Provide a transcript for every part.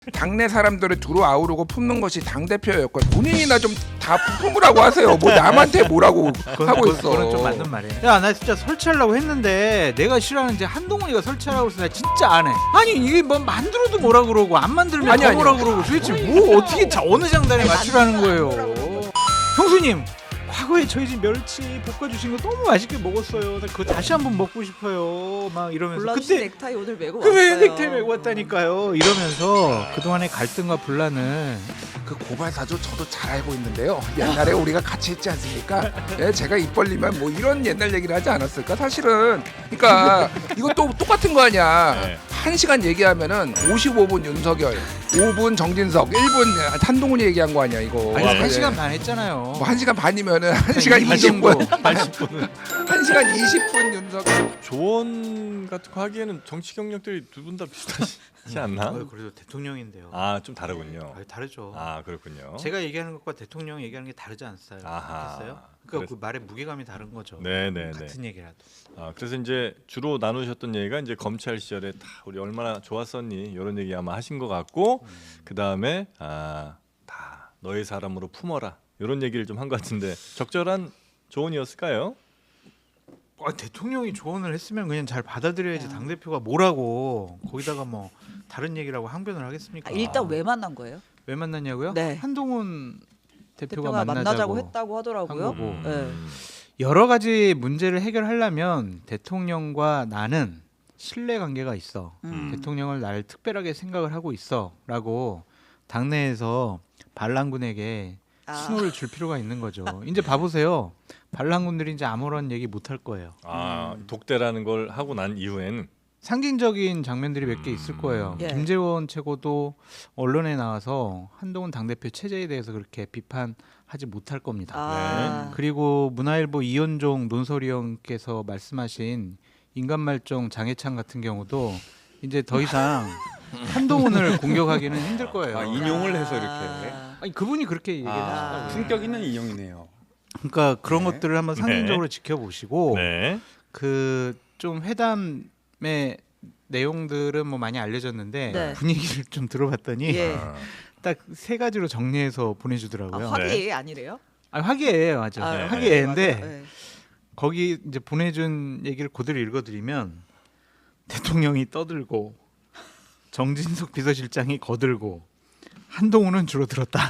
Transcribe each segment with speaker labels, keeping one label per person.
Speaker 1: 당내 사람들을 두루 아우르고 품는 것이 당 대표였고 본인이나 좀 다 품으라고 하세요. 뭐 남한테 뭐라고 하고 있어.
Speaker 2: 그건 좀 맞는 말이에요. 야, 나 진짜 설치하려고 했는데 내가 싫어하는 이제 한동훈이가 설치하라고 해서 나 진짜 안 해. 아니 이게 뭐 만들어도 뭐라 그러고 안 만들면
Speaker 1: 아니,
Speaker 2: 뭐라 그러고 도대체 뭐 어떻게 어느 장단에 맞추라는 거예요. 형수님, 과거에 저희 집 멸치 볶아주신 거 너무 맛있게 먹었어요. 나 그거 다시 한번 먹고 싶어요. 막 이러면서
Speaker 3: 골라주신
Speaker 2: 그때
Speaker 3: 넥타이 오늘 메고
Speaker 2: 왜
Speaker 3: 왔어요.
Speaker 2: 넥타이 메고 왔다니까요. 이러면서 그동안의 갈등과 분란을
Speaker 1: 그 고발사주 저도 잘 알고 있는데요. 옛날에 우리가 같이 했지 않습니까? 예, 제가 입 벌리면 뭐 이런 옛날 얘기를 하지 않았을까? 사실은 그러니까 이것도 똑같은 거 아니야.
Speaker 4: 네.
Speaker 1: 1시간 얘기하면은 55분 윤석열, 5분 정진석, 1분 한동훈이 얘기한 거 아니야 이거.
Speaker 2: 아니,
Speaker 4: 와,
Speaker 2: 1시간 반 했잖아요.
Speaker 1: 뭐 1시간 반이면은 1시간 20분,
Speaker 4: 80분은
Speaker 1: 1시간 20분 윤석열.
Speaker 4: 조언 같은 거 하기에는 정치 경력들이 두 분 다 비슷하지 않나?
Speaker 2: 그래도 대통령인데요.
Speaker 4: 아, 좀 다르군요.
Speaker 2: 다르죠.
Speaker 4: 아, 그렇군요.
Speaker 2: 제가 얘기하는 것과 대통령 얘기하는 게 다르지 않았어요?
Speaker 4: 아하.
Speaker 2: 했어요? 그러니까 그 말의 무게감이 다른 거죠.
Speaker 4: 네네네.
Speaker 2: 같은 얘기라도.
Speaker 4: 아, 그래서 이제 주로 나누셨던 얘기가 이제 검찰 시절에 다 우리 얼마나 좋았었니 이런 얘기 아마 하신 것 같고 그 다음에 다 너의 사람으로 품어라 이런 얘기를 좀 한 것 같은데 적절한 조언이었을까요?
Speaker 2: 대통령이 조언을 했으면 그냥 잘 받아들여야지 당 대표가 뭐라고 거기다가 뭐 다른 얘기라고 항변을 하겠습니까?
Speaker 3: 일단 왜 만난 거예요?
Speaker 2: 왜 만났냐고요?
Speaker 3: 네.
Speaker 2: 한동훈 대표가
Speaker 3: 대표가 만나자고
Speaker 2: 만나자고
Speaker 3: 했다고 하더라고요.
Speaker 2: 한 거고.
Speaker 3: 네.
Speaker 2: 여러 가지 문제를 해결하려면 대통령과 나는 신뢰 관계가 있어. 대통령을 나를 특별하게 생각을 하고 있어라고 당내에서 반란군에게 신호를 줄 필요가 있는 거죠. 이제 봐보세요. 반란군들이 이제 아무런 얘기 못 할 거예요.
Speaker 4: 독대라는 걸 하고 난 이후엔
Speaker 2: 상징적인 장면들이 몇 개 있을 거예요.
Speaker 3: 예.
Speaker 2: 김재원 최고도 언론에 나와서 한동훈 당대표 체제에 대해서 그렇게 비판하지 못할 겁니다. 그리고 문화일보 이현종 논설위원께서 말씀하신 인간말종 장해찬 같은 경우도 이제 더 이상 한동훈을 공격하기는 힘들 거예요.
Speaker 5: 인용을 해서 이렇게
Speaker 2: 아니, 그분이 그렇게 얘기했어요.
Speaker 5: 품격 있는 인용이네요.
Speaker 2: 그러니까 그런
Speaker 5: 네.
Speaker 2: 것들을 한번 상징적으로 지켜보시고
Speaker 4: 네.
Speaker 2: 그 좀 회담의 내용들은 뭐 많이 알려졌는데
Speaker 3: 네.
Speaker 2: 분위기를 좀 들어봤더니
Speaker 3: 예.
Speaker 2: 딱 세 가지로 정리해서 보내주더라고요.
Speaker 3: 화기 아니래요?
Speaker 2: 화기애애예요, 맞아.
Speaker 3: 네.
Speaker 2: 화기애애인데
Speaker 3: 네.
Speaker 2: 거기 이제 보내준 얘기를 그대로 읽어드리면 대통령이 떠들고 정진석 비서실장이 거들고 한동훈은 줄어들었다.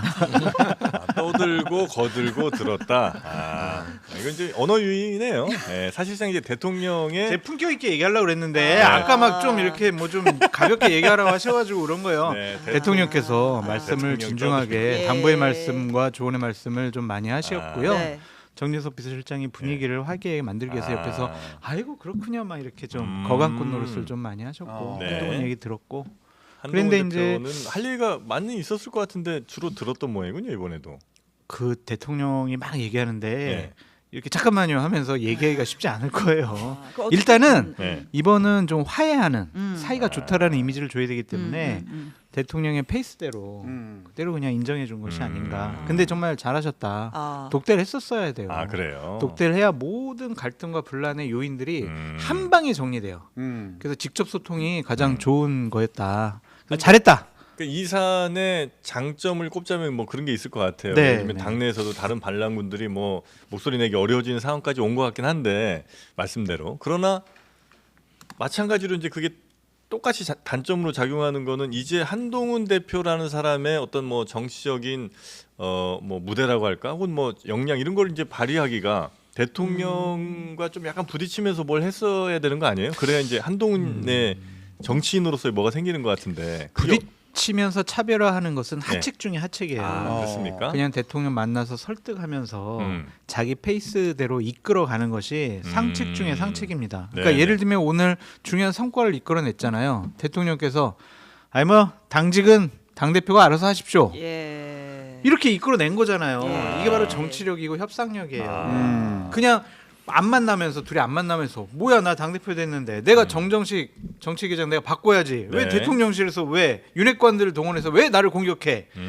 Speaker 4: 떠들고 거들고 들었다. 이건 이제 언어 유희네요. 네, 사실상 이제 대통령의
Speaker 2: 제 품격 있게 얘기하려고 그랬는데 아까 막 좀 이렇게 뭐 좀 가볍게 얘기하라고 하셔가지고 그런 거예요.
Speaker 4: 네,
Speaker 2: 대통령께서 말씀을
Speaker 4: 대통령
Speaker 2: 진중하게
Speaker 3: 예.
Speaker 2: 당부의 말씀과 조언의 말씀을 좀 많이 하셨고요.
Speaker 3: 네.
Speaker 2: 정진석 비서실장이 분위기를 화기애애하게 만들기 위해서 옆에서 아이고 그렇군요 막 이렇게 좀 거간꽃 노릇을 좀 많이 하셨고
Speaker 4: 네.
Speaker 2: 한동훈 얘기 들었고
Speaker 4: 한동훈
Speaker 2: 그런데
Speaker 4: 대표는 할 얘기가 많이 있었을 것 같은데 주로 들었던 모양이군요 이번에도.
Speaker 2: 그 대통령이 막 얘기하는데
Speaker 4: 네.
Speaker 2: 이렇게 잠깐만요 하면서 얘기하기가 쉽지 않을 거예요.
Speaker 3: 그거 어떻게-
Speaker 2: 일단은
Speaker 4: 네.
Speaker 2: 이번은 좀 화해하는 사이가 좋다라는 이미지를 줘야 되기 때문에
Speaker 3: 음.
Speaker 2: 대통령의 페이스대로 그대로 그냥 인정해 준 것이 아닌가. 근데 정말 잘하셨다.
Speaker 3: 독
Speaker 2: 독대를 했었어야 돼요.
Speaker 4: 아 그래요.
Speaker 2: 독대를 해야 모든 갈등과 분란의 요인들이
Speaker 4: 음.
Speaker 2: 한 방에 정리돼요.
Speaker 5: 음.
Speaker 2: 그래서 직접 소통이 가장 좋은 거였다. 그래서 잘했다.
Speaker 4: 그러니까 이 사안의 장점을 꼽자면 뭐 그런 게 있을 것 같아요.
Speaker 2: 네,
Speaker 4: 예를 들면
Speaker 2: 네.
Speaker 4: 당내에서도 다른 반란군들이 뭐 목소리 내기 어려워지는 상황까지 온 것 같긴 한데 말씀대로 그러나 마찬가지로 이제 그게 똑같이 단점으로 작용하는 거는 이제 한동훈 대표라는 사람의 어떤 뭐 정치적인 뭐 무대라고 할까 혹은 뭐 역량 이런 걸 이제 발휘하기가 대통령과 좀 약간 부딪히면서 뭘 했어야 되는 거 아니에요? 그래야 이제 한동훈의 정치인으로서의 뭐가 생기는 것 같은데 그게
Speaker 2: 부딪히면서 차별화하는 것은 하책 중에 하책이에요.
Speaker 4: 그렇습니까?
Speaker 2: 그냥 대통령 만나서 설득하면서
Speaker 4: 음.
Speaker 2: 자기 페이스대로 이끌어가는 것이 상책 중에 상책입니다. 그러니까
Speaker 4: 네,
Speaker 2: 예를
Speaker 4: 네.
Speaker 2: 들면 오늘 중요한 성과를 이끌어냈잖아요. 대통령께서 아니 뭐 당직은 당 대표가 알아서 하십시오.
Speaker 3: 예.
Speaker 2: 이렇게 이끌어낸 거잖아요.
Speaker 3: 예.
Speaker 2: 이게 바로 정치력이고 협상력이에요. 그냥 안 만나면서 둘이 안 만나면서 뭐야 나 당대표 됐는데 내가 정정식 정치계장 내가 바꿔야지 왜
Speaker 4: 네.
Speaker 2: 대통령실에서 왜 윤핵관들을 동원해서 왜 나를 공격해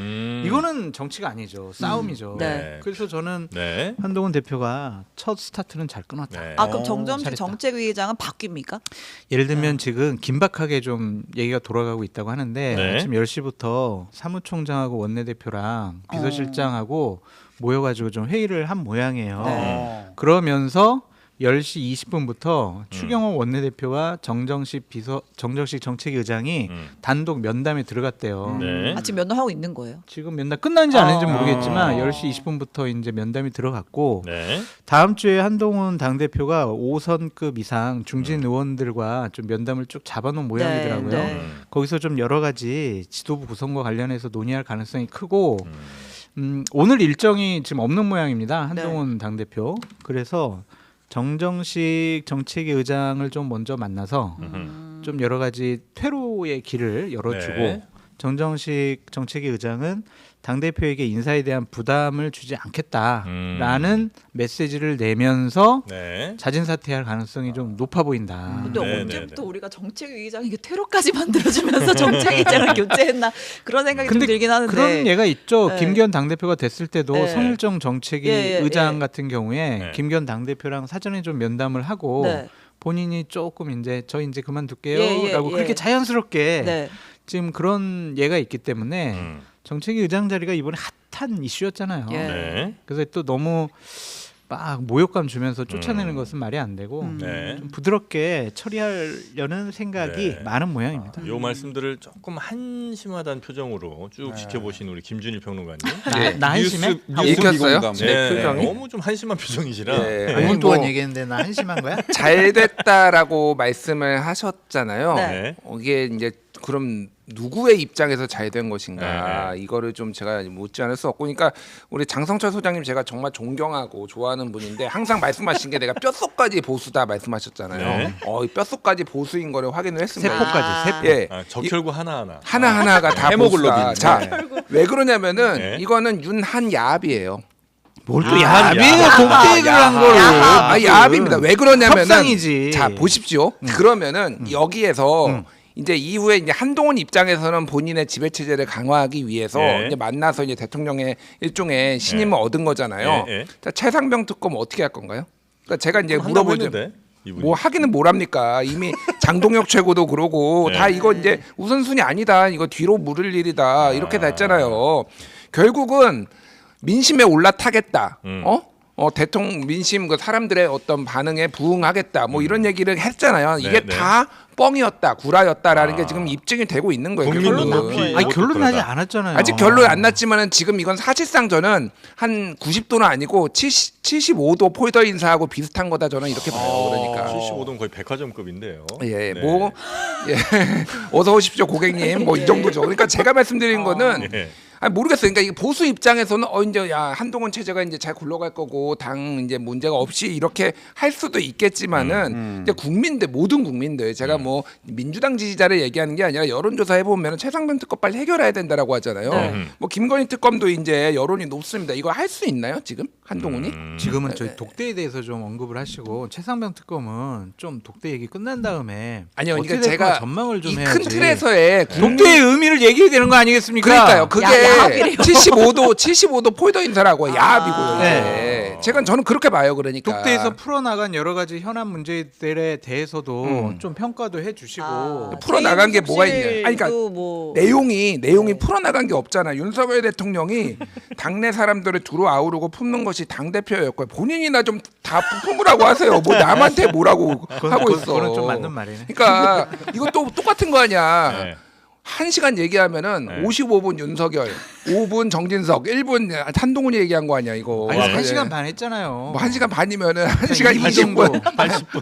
Speaker 2: 이거는 정치가 아니죠. 싸움이죠.
Speaker 3: 네.
Speaker 2: 그래서 저는
Speaker 4: 네.
Speaker 2: 한동훈 대표가 첫 스타트는 잘 끊었다.
Speaker 4: 네.
Speaker 3: 아 그럼 정점식
Speaker 2: 잘했다.
Speaker 3: 정책위의장은 바뀝니까?
Speaker 2: 예를 들면 지금 긴박하게 좀 얘기가 돌아가고 있다고 하는데
Speaker 4: 네.
Speaker 2: 아침 10시부터 사무총장하고 원내대표랑 비서실장하고 모여가지고 좀 회의를 한 모양이에요.
Speaker 3: 네.
Speaker 2: 그러면서 10시 20분부터 추경호 원내대표와 정정식 정책위의장이 단독 면담에 들어갔대요.
Speaker 4: 네.
Speaker 3: 아침 면담하고 있는 거예요.
Speaker 2: 지금 면담 끝난지 안 했는지
Speaker 3: 아.
Speaker 2: 모르겠지만 10시 20분부터 이제 면담이 들어갔고
Speaker 4: 네.
Speaker 2: 다음 주에 한동훈 당대표가 5선급 이상 중진 의원들과 좀 면담을 쭉 잡아놓은 모양이더라고요.
Speaker 3: 네.
Speaker 2: 거기서 좀 여러 가지 지도부 구성과 관련해서 논의할 가능성이 크고 오늘 일정이 지금 없는 모양입니다. 한동훈 당대표. 그래서 정정식 정책위 의장을 좀 먼저 만나서 좀 여러 가지 퇴로의 길을 열어주고
Speaker 4: 네.
Speaker 2: 정정식 정책위 의장은 당대표에게 인사에 대한 부담을 주지 않겠다라는 메시지를 내면서
Speaker 4: 네.
Speaker 2: 자진 사퇴할 가능성이 좀 높아 보인다.
Speaker 3: 근데
Speaker 4: 네,
Speaker 3: 언제부터
Speaker 4: 네, 네.
Speaker 3: 우리가 정책위의장에게 퇴로까지 만들어주면서 정책위의장을 교체했나 그런 생각이 좀
Speaker 2: 근데
Speaker 3: 들긴 하는데
Speaker 2: 그런 예가 있죠.
Speaker 3: 네.
Speaker 2: 김기현 당대표가 됐을 때도
Speaker 3: 네.
Speaker 2: 성일정 정책위
Speaker 3: 예, 예,
Speaker 2: 의장
Speaker 3: 예.
Speaker 2: 같은 경우에
Speaker 4: 네.
Speaker 2: 김기현 당대표랑 사전에 좀 면담을 하고
Speaker 3: 네.
Speaker 2: 본인이 조금 이제 저 이제
Speaker 3: 예,
Speaker 2: 그만둘게요라고
Speaker 3: 예.
Speaker 2: 그렇게 자연스럽게
Speaker 3: 네.
Speaker 2: 지금 그런 예가 있기 때문에
Speaker 4: 음.
Speaker 2: 정책위 의장 자리가 이번에 핫한 이슈였잖아요.
Speaker 3: 예.
Speaker 4: 네.
Speaker 2: 그래서 또 너무 막 모욕감 주면서 쫓아내는 것은 말이 안 되고
Speaker 4: 네.
Speaker 2: 좀 부드럽게 처리하려는 생각이
Speaker 4: 네.
Speaker 2: 많은 모양입니다.
Speaker 4: 요 말씀들을 조금 한심하다는 표정으로 쭉 지켜보신 우리 김준일 평론가님.
Speaker 2: 나 한심해?
Speaker 1: 읽혔어요?
Speaker 5: 미공감.
Speaker 1: 제 표정이?
Speaker 4: 너무 좀 한심한 표정이시라.
Speaker 1: 예.
Speaker 2: 5분
Speaker 1: 아니,
Speaker 2: 동안
Speaker 1: 뭐
Speaker 2: 얘기했는데 나 한심한 거야?
Speaker 1: 잘 됐다라고 말씀을 하셨잖아요.
Speaker 3: 네.
Speaker 1: 이게 이제 그럼 누구의 입장에서 잘 된 것인가 이거를 좀 제가 묻지 않을 수 없고, 그러니까 우리 장성철 소장님 제가 정말 존경하고 좋아하는 분인데 항상 말씀하신 게 내가 뼛속까지 보수다 말씀하셨잖아요.
Speaker 4: 네.
Speaker 1: 이 뼛속까지 보수인 거를 확인을 했습니다.
Speaker 2: 세포까지 세포.
Speaker 1: 예.
Speaker 4: 아, 적혈구 하나하나.
Speaker 1: 하나하나가 다
Speaker 5: 헤모글로빈.
Speaker 1: 보수다. 자, 왜 그러냐면은
Speaker 4: 네.
Speaker 1: 이거는 윤한 야합이에요.
Speaker 2: 뭘 또
Speaker 4: 야합,
Speaker 2: 야합이에요?
Speaker 4: 야합.
Speaker 2: 독대를 한 거를.
Speaker 1: 야합입니다. 왜 그러냐면은
Speaker 2: 협상이지.
Speaker 1: 자 보십시오. 그러면은 여기에서 이제 이후에 이제 한동훈 입장에서는 본인의 지배 체제를 강화하기 위해서
Speaker 4: 예.
Speaker 1: 이제 만나서 이제 대통령의 일종의 신임을 얻은 거잖아요.
Speaker 4: 예, 예.
Speaker 1: 자, 최상병 특검 어떻게 할 건가요? 그러니까 제가 이제
Speaker 4: 한다고
Speaker 1: 물어보죠.
Speaker 4: 했는데, 이분이.
Speaker 1: 뭐 하기는 뭘 합니까? 이미 장동혁 최고도 그러고
Speaker 4: 네.
Speaker 1: 다 이거 이제 우선순위 아니다. 이거 뒤로 물을 일이다. 이렇게 다 했잖아요. 결국은 민심에 올라타겠다. 대통령 민심 그 사람들의 어떤 반응에 부응하겠다. 뭐 이런 얘기를 했잖아요. 이게
Speaker 4: 네,
Speaker 1: 다 뻥이었다, 구라였다라는 게 지금 입증이 되고 있는 거예요.
Speaker 4: 국민
Speaker 1: 결론은.
Speaker 4: 눈높이.
Speaker 2: 아니 결론 나지
Speaker 4: 그러다.
Speaker 2: 않았잖아요.
Speaker 1: 아직 결론 안 났지만은 지금 이건 사실상 저는 한 90도는 아니고 75도 폴더 인사하고 비슷한 거다 저는 이렇게 봐요. 그러니까
Speaker 4: 75동 거의 백화점급인데요.
Speaker 1: 예,
Speaker 4: 네.
Speaker 1: 뭐 예. 어서 오십시오 고객님. 뭐 이 정도죠. 그러니까 제가 말씀드린 거는
Speaker 4: 예.
Speaker 1: 아니 모르겠어요. 그러니까 이게 보수 입장에서는 이제 야 한동훈 체제가 이제 잘 굴러갈 거고 당 이제 문제가 없이 이렇게 할 수도 있겠지만은 이제 국민들 모든 국민들 제가 뭐 민주당 지지자를 얘기하는 게 아니라 여론조사 해보면 최상병 특검 빨리 해결해야 된다라고 하잖아요.
Speaker 3: 네.
Speaker 1: 뭐 김건희 특검도 이제 여론이 높습니다. 이거 할 수 있나요 지금 한동훈이?
Speaker 2: 지금은 저희 독대에 대해서 좀 언급을 하시고 최상병 특검은 좀 독대 얘기 끝난 다음에
Speaker 1: 아니요,
Speaker 2: 어떻게
Speaker 1: 그러니까
Speaker 2: 될 거나
Speaker 1: 제가
Speaker 2: 전망을 좀
Speaker 1: 이
Speaker 2: 해야지.
Speaker 1: 큰 틀에서의
Speaker 2: 독대의 의미를 얘기해야 되는 거 아니겠습니까?
Speaker 1: 그러니까요. 그게
Speaker 3: 야합이래요.
Speaker 1: 75도 폴더 인사라고 야합이고요. 이게.
Speaker 2: 네.
Speaker 1: 저는 그렇게 봐요. 그러니까
Speaker 2: 독대에서 풀어나간 여러 가지 현안 문제들에 대해서도 좀 평가도 해주시고
Speaker 1: 풀어나간 게 뭐가 있냐. 아니, 그러니까
Speaker 3: 뭐
Speaker 1: 내용이 풀어나간 게 없잖아. 윤석열 대통령이 당내 사람들을 두루 아우르고 품는 것이 당 대표였고 본인이나 좀 다 품으라고 하세요. 뭐 남한테 뭐라고 하고 있어.
Speaker 2: 그거는 좀 맞는 말이네.
Speaker 1: 그러니까 이것도 똑같은 거 아니야.
Speaker 4: 네.
Speaker 1: 1시간 얘기하면은
Speaker 4: 네.
Speaker 1: 55분 윤석열, 5분 정진석, 1분 한동훈이 얘기한 거 아니야 이거.
Speaker 2: 아니,
Speaker 1: 네.
Speaker 2: 1시간 반 했잖아요.
Speaker 1: 뭐 1시간 반이면은 1시간
Speaker 2: 20분.
Speaker 1: 20분,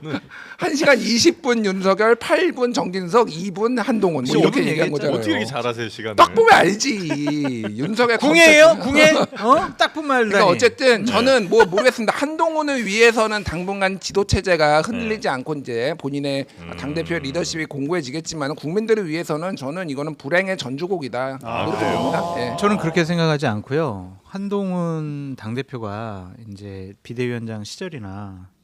Speaker 1: 1시간 20분 윤석열, 8분 정진석, 2분 한동훈 뭐 이렇게 얘기한 거잖아요.
Speaker 4: 어떻게 이렇게 잘하세요 시간을?
Speaker 1: 딱 보면 알지. 윤석열
Speaker 2: 궁예예요?
Speaker 1: 컨셉.
Speaker 2: 궁예? 딱 보면 알다니.
Speaker 1: 그러니까 어쨌든 저는 뭐 모르겠습니다. 한동훈을 위해서는 당분간 지도 체제가 흔들리지 않고 이제 본인의 당 대표의 리더십이 공고해지겠지만 국민들을 위해서는 저는 이거는 불행의 전주곡이다. 이렇게 봅니다. 예.
Speaker 2: 저는 그렇게 생각하지 않고요. 한동훈 당대표가 이제 비대위원장 시절이나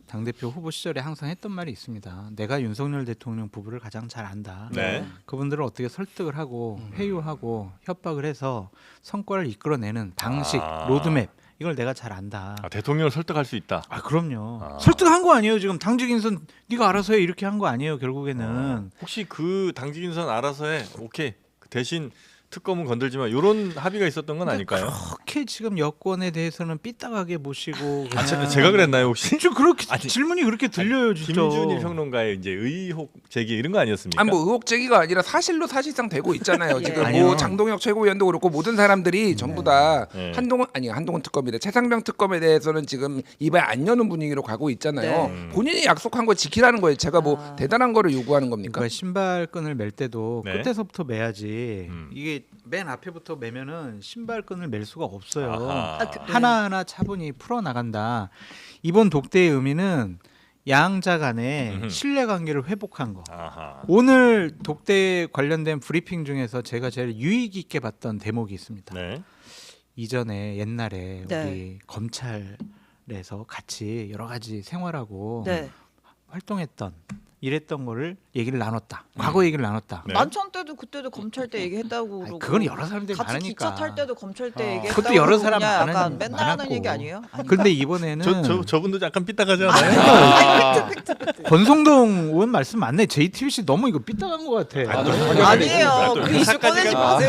Speaker 2: 당대표 후보 시절에 항상 했던 말이 있습니다. 내가 윤석열 대통령 부부를 가장 잘 안다.
Speaker 4: 네.
Speaker 2: 그분들을 어떻게 설득을 하고 회유하고 협박을 해서 성과를 이끌어내는 방식, 로드맵 이걸 내가 잘 안다.
Speaker 4: 아, 대통령을 설득할 수 있다.
Speaker 2: 아 그럼요.
Speaker 4: 아.
Speaker 2: 설득한 거 아니에요. 지금 당직 인선 네가 알아서 해 이렇게 한 거 아니에요. 결국에는.
Speaker 4: 혹시 그 당직 인선 알아서 해. 오케이. 대신 특검은 건들지 마. 이런 합의가 있었던 건 아닐까요?
Speaker 2: 그렇게 지금 여권에 대해서는 삐딱하게 모시고
Speaker 4: 아, 제가 그랬나요 혹시?
Speaker 2: 저 그렇게
Speaker 4: 아니,
Speaker 2: 질문이 그렇게 들려요, 진짜.
Speaker 4: 김준일 평론가의 이제 의혹 제기 이런 거 아니었습니까?
Speaker 1: 아니 뭐 의혹 제기가 아니라 사실로 사실상 되고 있잖아요.
Speaker 3: 예.
Speaker 1: 지금
Speaker 2: 아니요.
Speaker 1: 뭐 장동혁 최고위원도 그렇고 모든 사람들이 전부 다
Speaker 4: 네.
Speaker 1: 한동훈 특검이래. 최상병 특검에 대해서는 지금 입에 안 여는 분위기로 가고 있잖아요.
Speaker 3: 네.
Speaker 1: 본인이 약속한 거 지키라는 거예요. 제가 뭐
Speaker 3: 아.
Speaker 1: 대단한 거를 요구하는 겁니까?
Speaker 2: 그러니까 신발끈을 멜 때도
Speaker 4: 네.
Speaker 2: 끝에서부터 매야지.
Speaker 4: 음.
Speaker 2: 이게 맨 앞에부터 매면은 신발끈을 멜 수가 없어요.
Speaker 4: 아하.
Speaker 3: 아, 그-
Speaker 2: 하나하나 차분히 풀어 나간다. 이번 독대의 의미는 양자 간의
Speaker 4: 음흠.
Speaker 2: 신뢰관계를 회복한 거.
Speaker 4: 아하.
Speaker 2: 오늘 독대 관련된 브리핑 중에서 제가 제일 유익 있게 봤던 대목이 있습니다.
Speaker 4: 네.
Speaker 2: 이전에 옛날에
Speaker 3: 네.
Speaker 2: 우리 검찰에서 같이 여러 가지 생활하고
Speaker 3: 네.
Speaker 2: 활동했던 이랬던 거를 얘기를 나눴다. 과거 얘기를 나눴다.
Speaker 4: 네.
Speaker 3: 만찬 때도 그때도 검찰 때 얘기했다고
Speaker 2: 아니,
Speaker 3: 그러고.
Speaker 2: 그건 여러 사람들이
Speaker 3: 같이
Speaker 2: 많으니까.
Speaker 3: 기차 탈 때도 검찰 때
Speaker 4: 아.
Speaker 3: 얘기했다고.
Speaker 2: 그것도 여러
Speaker 3: 그러고
Speaker 2: 사람
Speaker 3: 그냥
Speaker 2: 많은-
Speaker 3: 약간 맨날 하는
Speaker 2: 많았고.
Speaker 3: 얘기 아니에요? 아니,
Speaker 2: 근데 이번에는
Speaker 4: 저분도 약간 삐딱하지 않아요?
Speaker 2: 권성동 의원 말씀 맞네. JTBC 너무 이거 삐딱한 것 같아.
Speaker 3: 아니에요. 그 이슈
Speaker 4: 회사까지
Speaker 3: 꺼내지
Speaker 4: 가.
Speaker 3: 마세요.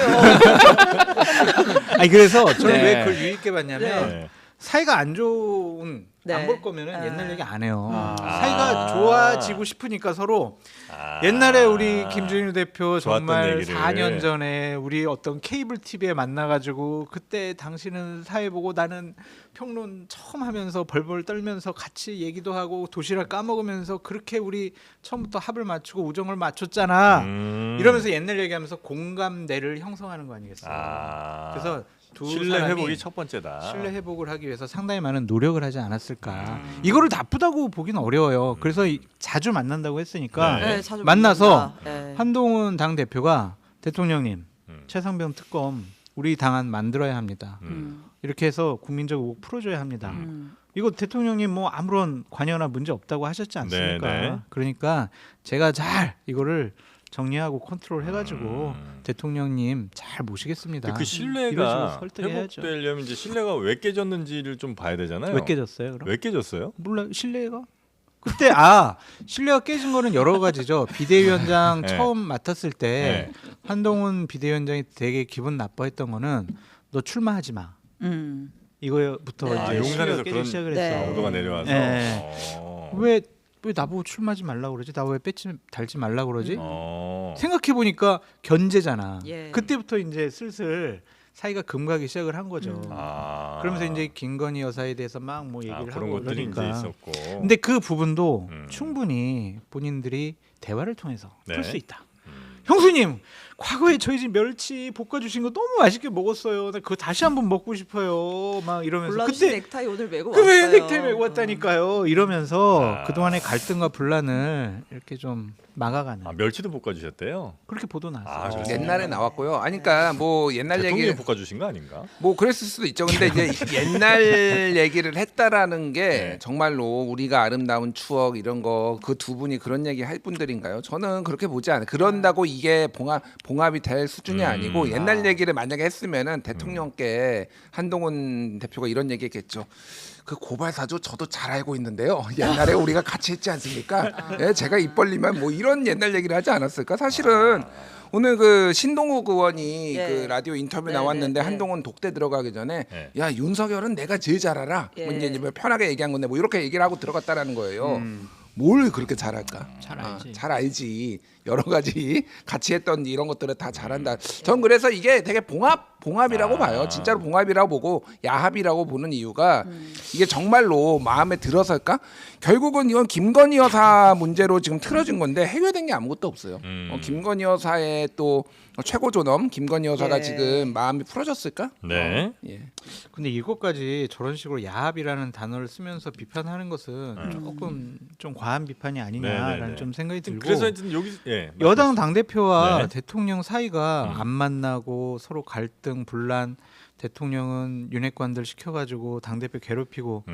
Speaker 2: 아니 그래서 저는
Speaker 1: 네.
Speaker 2: 왜 그걸 유익 있게 봤냐면
Speaker 4: 네.
Speaker 2: 사이가 안 좋은
Speaker 3: 네.
Speaker 2: 안 볼 거면은
Speaker 3: 아.
Speaker 2: 옛날 얘기 안 해요.
Speaker 3: 아.
Speaker 2: 사이가 좋아지고 싶으니까 서로
Speaker 4: 아.
Speaker 2: 옛날에 우리 김준일 대표
Speaker 4: 좋았던
Speaker 2: 정말
Speaker 4: 얘기를.
Speaker 2: 4년 전에 우리 어떤 케이블 TV에 만나가지고 그때 당신은 사회 보고 나는 평론 처음 하면서 벌벌 떨면서 같이 얘기도 하고 도시락 까먹으면서 그렇게 우리 처음부터 합을 맞추고 우정을 맞췄잖아. 이러면서 옛날 얘기하면서 공감대를 형성하는 거 아니겠어요?
Speaker 4: 아.
Speaker 2: 그래서 두
Speaker 4: 신뢰
Speaker 2: 사람이
Speaker 4: 회복이 첫 번째다.
Speaker 2: 신뢰 회복을 하기 위해서 상당히 많은 노력을 하지 않았을까. 이거를 나쁘다고 보기는 어려워요. 그래서 자주 만난다고 했으니까
Speaker 4: 네.
Speaker 3: 네, 자주
Speaker 2: 만나서
Speaker 3: 만난다. 네.
Speaker 2: 한동훈 당 대표가 대통령님
Speaker 4: 음.
Speaker 2: 최상병 특검 우리 당안 만들어야 합니다.
Speaker 3: 음.
Speaker 2: 이렇게 해서 국민적 의혹 풀어줘야 합니다.
Speaker 3: 음.
Speaker 2: 이거 대통령님 뭐 아무런 관여나 문제 없다고 하셨지 않습니까?
Speaker 4: 네, 네.
Speaker 2: 그러니까 제가 잘 이거를 정리하고 컨트롤 해가지고 대통령님 잘 모시겠습니다.
Speaker 4: 그
Speaker 2: 이런
Speaker 4: 신뢰가
Speaker 2: 식으로 설득해야죠.
Speaker 4: 회복되려면 이제 신뢰가 왜 깨졌는지를 좀 봐야 되잖아요.
Speaker 2: 왜 깨졌어요? 그럼?
Speaker 4: 왜 깨졌어요?
Speaker 2: 몰라 신뢰가? 그때 신뢰가 깨진 거는 여러 가지죠. 비대위원장
Speaker 4: 네.
Speaker 2: 처음 맡았을 때
Speaker 4: 네.
Speaker 2: 한동훈 비대위원장이 되게 기분 나빠했던 거는 너 출마하지 마.
Speaker 3: 음.
Speaker 2: 이거부터
Speaker 3: 네.
Speaker 2: 이제
Speaker 3: 아,
Speaker 2: 신뢰가
Speaker 4: 용산에서
Speaker 2: 깨지기
Speaker 4: 그런
Speaker 2: 시작을
Speaker 3: 네.
Speaker 2: 했어.
Speaker 4: 정도가 내려와서.
Speaker 2: 네.
Speaker 4: 어.
Speaker 2: 왜 나보고 출마하지 말라 그러지? 나 왜 배지 달지 말라 그러지?
Speaker 4: 어.
Speaker 2: 생각해 보니까 견제잖아.
Speaker 3: 예.
Speaker 2: 그때부터 이제 슬슬 사이가 금가기 시작을 한 거죠.
Speaker 4: 아.
Speaker 2: 그러면서 이제 김건희 여사에 대해서 막 뭐 얘기를
Speaker 4: 그런
Speaker 2: 하고
Speaker 4: 것들이
Speaker 2: 그러니까.
Speaker 4: 이제 있었고.
Speaker 2: 근데 그 부분도
Speaker 4: 음.
Speaker 2: 충분히 본인들이 대화를 통해서
Speaker 4: 네.
Speaker 2: 풀 수 있다. 형수님, 과거에 저희 집 멸치 볶아주신 거 너무 맛있게 먹었어요. 나 그거 다시 한번 먹고 싶어요. 막 이러면서
Speaker 3: 골라주신
Speaker 2: 그때
Speaker 3: 넥타이 오늘 메고
Speaker 2: 그왜
Speaker 3: 왔어요.
Speaker 2: 넥타이 메고 왔다니까요. 이러면서
Speaker 4: 아.
Speaker 2: 그동안의 갈등과 분란을 이렇게 좀 막아가는
Speaker 4: 멸치도 볶아주셨대요.
Speaker 2: 그렇게 보도 나왔어요.
Speaker 4: 아, 그렇습니까?
Speaker 1: 옛날에 나왔고요. 아니 그러니까 뭐 옛날 얘기
Speaker 4: 대통령이 볶아주신 거 아닌가?
Speaker 1: 뭐 그랬을 수도 있죠. 근데 이제 옛날 얘기를 했다라는 게
Speaker 4: 네.
Speaker 1: 정말로 우리가 아름다운 추억 이런 거 그 두 분이 그런 얘기 할 분들인가요? 저는 그렇게 보지 않아요. 그런다고 이게 봉합이 될 수준이 아니고 옛날 얘기를 만약에 했으면은 대통령께 한동훈 대표가 이런 얘기했겠죠. 그 고발 사주 저도 잘 알고 있는데요. 옛날에 우리가 같이 했지 않습니까? 예, 제가 입 벌리면 뭐 이런 옛날 얘기를 하지 않았을까? 사실은 오늘 그 신동욱 의원이
Speaker 3: 예.
Speaker 1: 그 라디오 인터뷰
Speaker 3: 네,
Speaker 1: 나왔는데
Speaker 3: 네, 네.
Speaker 1: 한동훈 독대 들어가기 전에
Speaker 4: 네.
Speaker 1: 야 윤석열은 내가 제일 잘 알아. 뭐
Speaker 3: 예.
Speaker 1: 이제 편하게 얘기한 건데 뭐 이렇게 얘기를 하고 들어갔다라는 거예요. 뭘 그렇게 잘할까?
Speaker 2: 잘 알지.
Speaker 1: 잘 알지. 여러 가지 같이 했던 이런 것들을 다 잘한다. 전 그래서 이게 되게 봉합이라고 봐요. 진짜로 봉합이라고 보고 야합이라고 보는 이유가 이게 정말로 마음에 들어설까? 결국은 이건 김건희 여사 문제로 지금 틀어진 건데 해결된 게 아무것도 없어요. 김건희 여사의 또 최고 존엄 김건희 여사가
Speaker 3: 예.
Speaker 1: 지금 마음이 풀어졌을까?
Speaker 4: 네.
Speaker 1: 예.
Speaker 2: 근데 이것까지 저런 식으로 야합이라는 단어를 쓰면서 비판하는 것은 조금 좀 과한 비판이 아니냐라는
Speaker 4: 네네네.
Speaker 2: 좀 생각이 들고
Speaker 4: 그래서 하여튼 여기
Speaker 2: 여당 당 대표와
Speaker 4: 네.
Speaker 2: 대통령 사이가 안 만나고 서로 갈등 분란 대통령은 윤핵관들 시켜가지고 당 대표 괴롭히고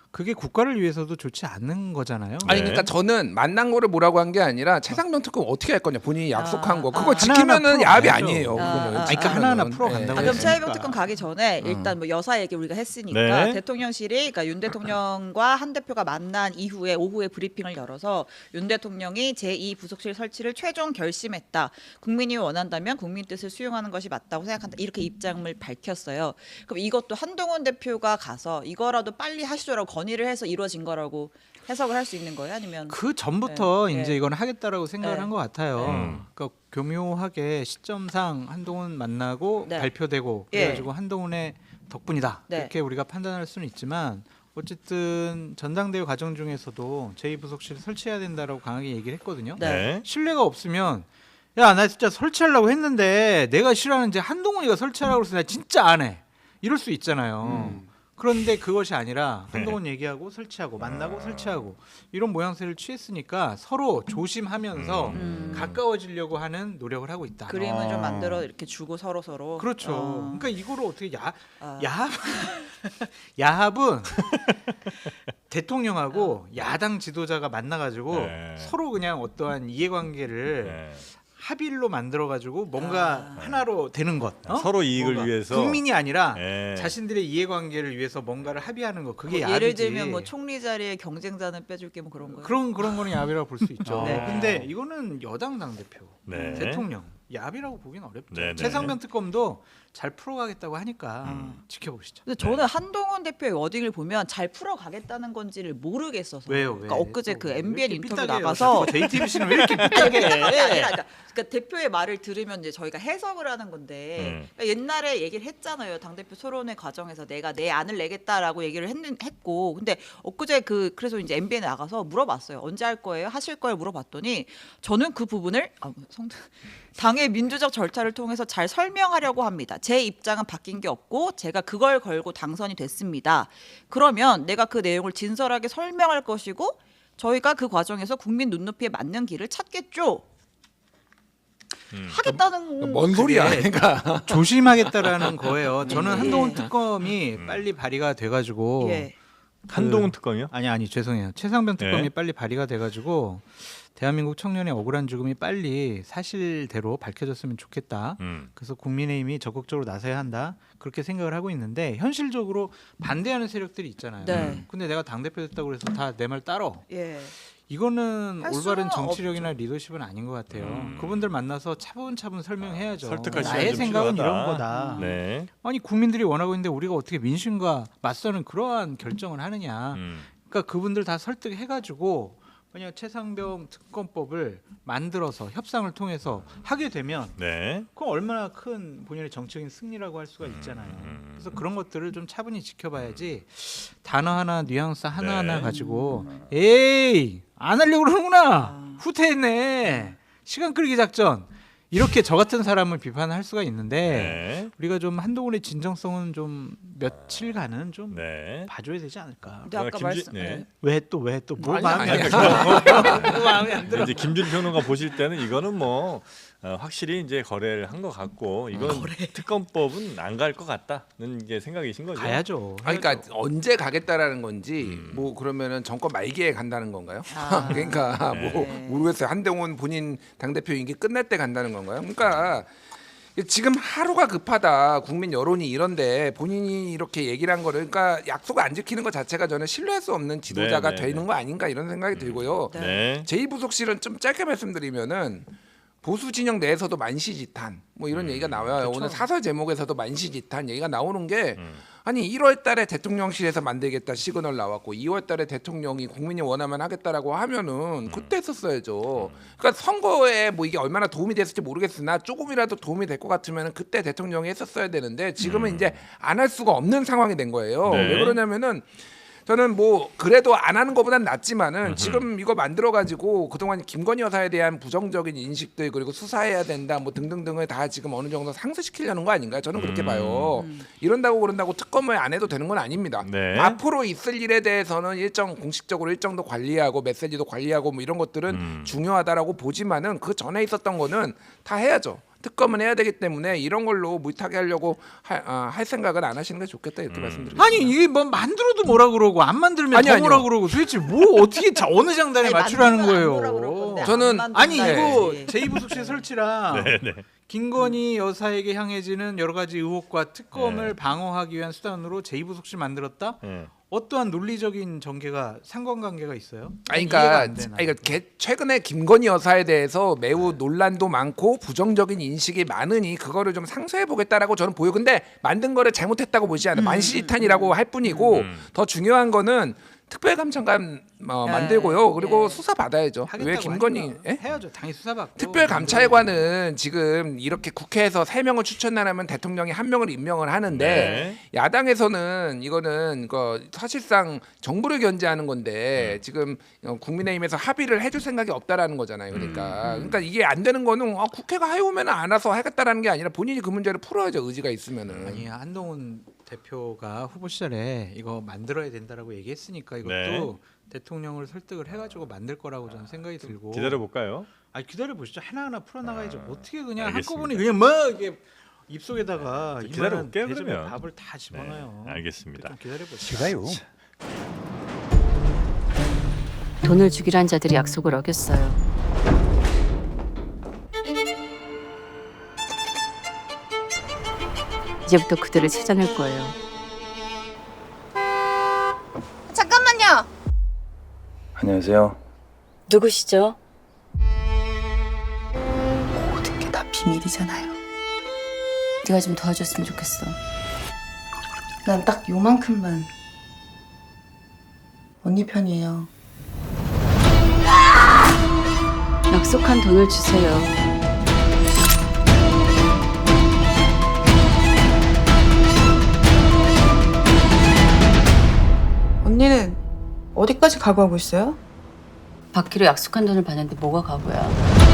Speaker 2: 그게 국가를 위해서도 좋지 않는 거잖아요.
Speaker 1: 아니
Speaker 4: 네.
Speaker 1: 그러니까 저는 만난 거를 뭐라고 한 게 아니라 최상병 특검 어떻게 할 거냐 본인이 약속한 거 그거
Speaker 3: 아.
Speaker 1: 지키면은
Speaker 2: 하나하나
Speaker 1: 야합이
Speaker 2: 풀어가야죠.
Speaker 1: 아니에요. 그거는.
Speaker 2: 아니, 그러니까 하나하나 풀어간다고
Speaker 3: 그럼
Speaker 2: 했으니까.
Speaker 3: 차이병 특검 가기 전에 일단 뭐 여사 얘기 우리가 했으니까
Speaker 4: 네.
Speaker 3: 대통령실이 그러니까 윤 대통령과 한 대표가 만난 이후에 오후에 브리핑을 열어서 윤 대통령이 제2부속실 설치를 최종 결심했다. 국민이 원한다면 국민 뜻을 수용하는 것이 맞다고 생각한다. 이렇게 입장을 밝혔어요. 그럼 이것도 한동훈 대표가 가서 이거라도 빨리 하시죠라고 건의를 해서 이루어진 거라고 해석을 할 수 있는 거예요? 아니면
Speaker 2: 그 전부터
Speaker 3: 네.
Speaker 2: 이제 이건 하겠다라고 생각을
Speaker 3: 네.
Speaker 2: 한 것 같아요.
Speaker 4: 음.
Speaker 2: 그러니까 교묘하게 시점상 한동훈 만나고
Speaker 3: 네.
Speaker 2: 발표되고
Speaker 3: 예.
Speaker 2: 그래가지고 한동훈의 덕분이다
Speaker 3: 네.
Speaker 2: 이렇게 우리가 판단할 수는 있지만 어쨌든 전당대회 과정 중에서도 제2부속실을 설치해야 된다라고 강하게 얘기를 했거든요.
Speaker 3: 네.
Speaker 4: 네.
Speaker 2: 신뢰가 없으면 야 나 진짜 설치하려고 했는데 내가 싫어하는 이제 한동훈이가 설치하라고 해서 나 진짜 안 해. 이럴 수 있잖아요. 그런데 그것이 아니라 한동훈 얘기하고 설치하고 만나고 설치하고 이런 모양새를 취했으니까 서로 조심하면서 가까워지려고 하는 노력을 하고 있다.
Speaker 3: 그림을 좀 만들어 이렇게 주고 서로
Speaker 2: 그렇죠. 그러니까 이거를 어떻게
Speaker 3: 아.
Speaker 2: 야합은 대통령하고 야당 지도자가 만나가지고
Speaker 4: 네.
Speaker 2: 서로 그냥 어떠한 이해관계를
Speaker 4: 네.
Speaker 2: 합의로 만들어가지고 뭔가 하나로 되는 것. 어?
Speaker 4: 서로 이익을
Speaker 2: 뭔가.
Speaker 4: 위해서
Speaker 2: 국민이 아니라
Speaker 4: 네.
Speaker 2: 자신들의 이해관계를 위해서 뭔가를 합의하는 거. 그게
Speaker 3: 뭐
Speaker 2: 야합이지.
Speaker 3: 예를 들면 뭐 총리 자리에 경쟁자는 빼줄게 뭐 그런 거요.
Speaker 2: 그런 거는 야합이라고 볼 수 있죠.
Speaker 4: 네.
Speaker 2: 근데 이거는 여당 당 대표,
Speaker 4: 네.
Speaker 2: 대통령 야합이라고 보기는 어렵죠.
Speaker 4: 네, 네.
Speaker 2: 최상병 특검도 잘 풀어가겠다고 하니까 지켜보시죠.
Speaker 3: 근데 저는 한동훈 대표의 워딩을 보면 잘 풀어가겠다는 건지를 모르겠어서.
Speaker 2: 왜요? 왜?
Speaker 3: 그러니까 엊그제 그
Speaker 2: 왜
Speaker 3: MBN
Speaker 2: 이렇게
Speaker 3: 인터뷰
Speaker 2: 삐딱해요?
Speaker 3: 나가서
Speaker 2: JTBC는 왜 이렇게 삐딱해?
Speaker 3: 그러니까 대표의 말을 들으면 이제 저희가 해석을 하는 건데 그러니까 옛날에 얘기를 했잖아요. 당 대표 토론회 과정에서 내가 내 안을 내겠다라고 얘기를 했고, 근데 엊그제 그래서 이제 MBN에 나가서 물어봤어요. 언제 할 거예요? 하실 거예요? 물어봤더니 저는 그 부분을 당의 민주적 절차를 통해서 잘 설명하려고 합니다. 제 입장은 바뀐 게 없고 제가 그걸 걸고 당선이 됐습니다. 그러면 내가 그 내용을 진솔하게 설명할 것이고 저희가 그 과정에서 국민 눈높이에 맞는 길을 찾겠죠. 하겠다는
Speaker 1: 뭔 소리야?
Speaker 2: 그게
Speaker 1: 그러니까
Speaker 2: 조심하겠다라는 거예요. 저는
Speaker 3: 예.
Speaker 2: 한동훈 특검이 빨리 발의가 돼가지고
Speaker 3: 예.
Speaker 4: 한동훈 특검이요?
Speaker 2: 아니 죄송해요. 최상병 특검이
Speaker 4: 네.
Speaker 2: 빨리 발의가 돼가지고 대한민국 청년의 억울한 죽음이 빨리 사실대로 밝혀졌으면 좋겠다. 그래서 국민의힘이 적극적으로 나서야 한다. 그렇게 생각을 하고 있는데 현실적으로 반대하는 세력들이 있잖아요.
Speaker 3: 네.
Speaker 2: 근데 내가 당대표 됐다고 해서 다 내 말 따러.
Speaker 3: 예.
Speaker 2: 이거는
Speaker 3: 할
Speaker 2: 올바른
Speaker 3: 수는
Speaker 2: 정치력이나 리더십은 아닌 것 같아요. 그분들 만나서 차분차분 설명해야죠.
Speaker 4: 설득할 시간이
Speaker 2: 나의
Speaker 4: 좀
Speaker 2: 생각은
Speaker 4: 필요하다.
Speaker 2: 이런 거다.
Speaker 4: 네.
Speaker 2: 아니 국민들이 원하고 있는데 우리가 어떻게 민심과 맞서는 그러한 결정을 하느냐. 그러니까 그분들 다 설득해가지고 만약 최상병 특검법을 만들어서 협상을 통해서 하게 되면
Speaker 4: 네.
Speaker 2: 그건 얼마나 큰 본연의 정치적인 승리라고 할 수가 있잖아요. 그래서 그런 것들을 좀 차분히 지켜봐야지 단어 하나 뉘앙스 하나하나
Speaker 4: 네.
Speaker 2: 가지고 에이 안 하려고 그러는구나 후퇴했네 시간 끌기 작전 이렇게 저 같은 사람을 비판할 수가 있는데
Speaker 4: 네.
Speaker 2: 우리가 좀 한동훈의 진정성은 좀 며칠간은 좀
Speaker 4: 네.
Speaker 2: 봐줘야 되지 않을까.
Speaker 3: 근데 아까 말씀
Speaker 4: 네.
Speaker 2: 왜 또 뭐
Speaker 1: 아니야,
Speaker 2: 마음에 안
Speaker 1: 아니야.
Speaker 2: 들어? 뭐 마음에 안 들어?
Speaker 4: 이제 김준 평론가 보실 때는 이거는 뭐 확실히 이제 거래를 한 것 같고 이건 특검법은 안 갈 것 같다는 이제 생각이신 거죠.
Speaker 2: 가야죠.
Speaker 1: 아니, 그러니까 언제 가겠다라는 건지 뭐 그러면은 정권 말기에 간다는 건가요?
Speaker 3: 아.
Speaker 1: 그러니까 뭐
Speaker 3: 네.
Speaker 1: 모르겠어요. 한동훈 본인 당대표 임기 끝날 때 간다는 건가요? 그러니까 지금 하루가 급하다. 국민 여론이 이런데 본인이 이렇게 얘기를 한 거를 그러니까 약속을 안 지키는 것 자체가 저는 신뢰할 수 없는 지도자가
Speaker 4: 네, 네,
Speaker 1: 되는
Speaker 4: 네.
Speaker 1: 거 아닌가 이런 생각이 들고요.
Speaker 4: 네.
Speaker 1: 제2부속실은 좀 짧게 말씀드리면은 보수 진영 내에서도 만시지탄 뭐 이런 얘기가 나와요. 오늘 사설 제목에서도 만시지탄 얘기가 나오는 게 아니 1월 달에 대통령실에서 만들겠다 시그널 나왔고 2월 달에 대통령이 국민이 원하면 하겠다라고 하면은 그때 했었어야죠. 그러니까 선거에 뭐 이게 얼마나 도움이 됐을지 모르겠으나 조금이라도 도움이 될 것 같으면 그때 대통령이 했었어야 되는데 지금은 이제 안 할 수가 없는 상황이 된 거예요.
Speaker 4: 네.
Speaker 1: 왜 그러냐면은 저는 뭐 그래도 안 하는 것보단 낫지만은 지금 이거 만들어 가지고 그동안 김건희 여사에 대한 부정적인 인식들 그리고 수사해야 된다 뭐 등등등을 다 지금 어느 정도 상쇄시키려는 거 아닌가요? 저는 그렇게 봐요. 이런다고 그런다고 특검을 안 해도 되는 건 아닙니다.
Speaker 4: 네.
Speaker 1: 앞으로 있을 일에 대해서는 일정 공식적으로 일정도 관리하고 메시지도 관리하고 뭐 이런 것들은 중요하다라고 보지만은 그 전에 있었던 거는 다 해야죠. 특검은 해야 되기 때문에 이런 걸로 물타기 하려고 할 생각은 안 하시는 게 좋겠다 이렇게 말씀드리겠습니다.
Speaker 2: 아니 이게 뭐 만들어도 뭐라 그러고 안 만들면
Speaker 1: 아니,
Speaker 2: 더
Speaker 1: 아니요.
Speaker 2: 뭐라 그러고 도대체 뭐 어떻게 어느 장단에
Speaker 3: 아니,
Speaker 2: 맞추라는
Speaker 3: 만들면 안 뭐라 그럴
Speaker 2: 거예요?
Speaker 3: 건데
Speaker 1: 저는-
Speaker 3: 안
Speaker 2: 아니
Speaker 3: 만든다
Speaker 2: 이거
Speaker 3: 이거지.
Speaker 2: 제2부속실 설치랑 김건희 여사에게 향해지는 여러 가지 의혹과 특검을 방어하기 위한 수단으로 제2부속실 만들었다?
Speaker 4: 예.
Speaker 2: 어떠한 논리적인 전개가 상관관계가 있어요?
Speaker 1: 아니,
Speaker 2: 이해가
Speaker 1: 그러니까
Speaker 2: 안 돼, 나는.
Speaker 1: 최근에 김건희 여사에 대해서 매우 논란도 많고 부정적인 인식이 많으니 그거를 좀 상쇄해 보겠다라고 저는 보여. 근데 만든 거를 잘못했다고 보지 않아요. 만시지탄이라고 할 뿐이고 더 중요한 거는 특별감찰관 만들고요. 그리고 수사 받아야죠.
Speaker 2: 하겠다고
Speaker 1: 왜 김건희?
Speaker 2: 하니까
Speaker 1: 예?
Speaker 2: 해야죠. 당연히 수사받고.
Speaker 1: 특별감찰관은 지금 이렇게 국회에서 3명을 추천하면 대통령이 1명을 임명을 하는데
Speaker 4: 네.
Speaker 1: 야당에서는 이거는 사실상 정부를 견제하는 건데 지금 국민의힘에서 합의를 해줄 생각이 없다라는 거잖아요. 그러니까 이게 안 되는 거는 국회가 해오면 알아서 하겠다라는 게 아니라 본인이 그 문제를 풀어야죠. 의지가 있으면은.
Speaker 2: 아니 한동훈 대표가 후보 시절에 이거 만들어야 된다라고 얘기했으니까 이것도
Speaker 4: 네.
Speaker 2: 대통령을 설득을 해가지고 만들 거라고 저는 생각이 들고.
Speaker 4: 기다려 볼까요?
Speaker 2: 아니 기다려 보시죠. 하나하나 풀어나가야죠. 어떻게 그냥
Speaker 4: 알겠습니다.
Speaker 2: 한꺼번에 그냥 뭐 이게 입속에다가
Speaker 4: 기다려볼게요,
Speaker 2: 이만한 대접에
Speaker 4: 그러면.
Speaker 2: 밥을 다 집어넣어요.
Speaker 4: 알겠습니다.
Speaker 2: 좀 기다려 보시죠.
Speaker 5: 제가요.
Speaker 6: 돈을 주기로 한 자들이 약속을 어겼어요. 이제부터 그들을 찾아낼 거예요.
Speaker 7: 잠깐만요.
Speaker 8: 안녕하세요.
Speaker 6: 누구시죠?
Speaker 7: 모든 게 다 비밀이잖아요. 네가 좀 도와줬으면 좋겠어. 난 딱 요만큼만 언니 편이에요.
Speaker 6: 약속한 돈을 주세요.
Speaker 7: 언니는 어디까지 각오하고 있어요?
Speaker 6: 받기로 약속한 돈을 받는데 뭐가 가고야?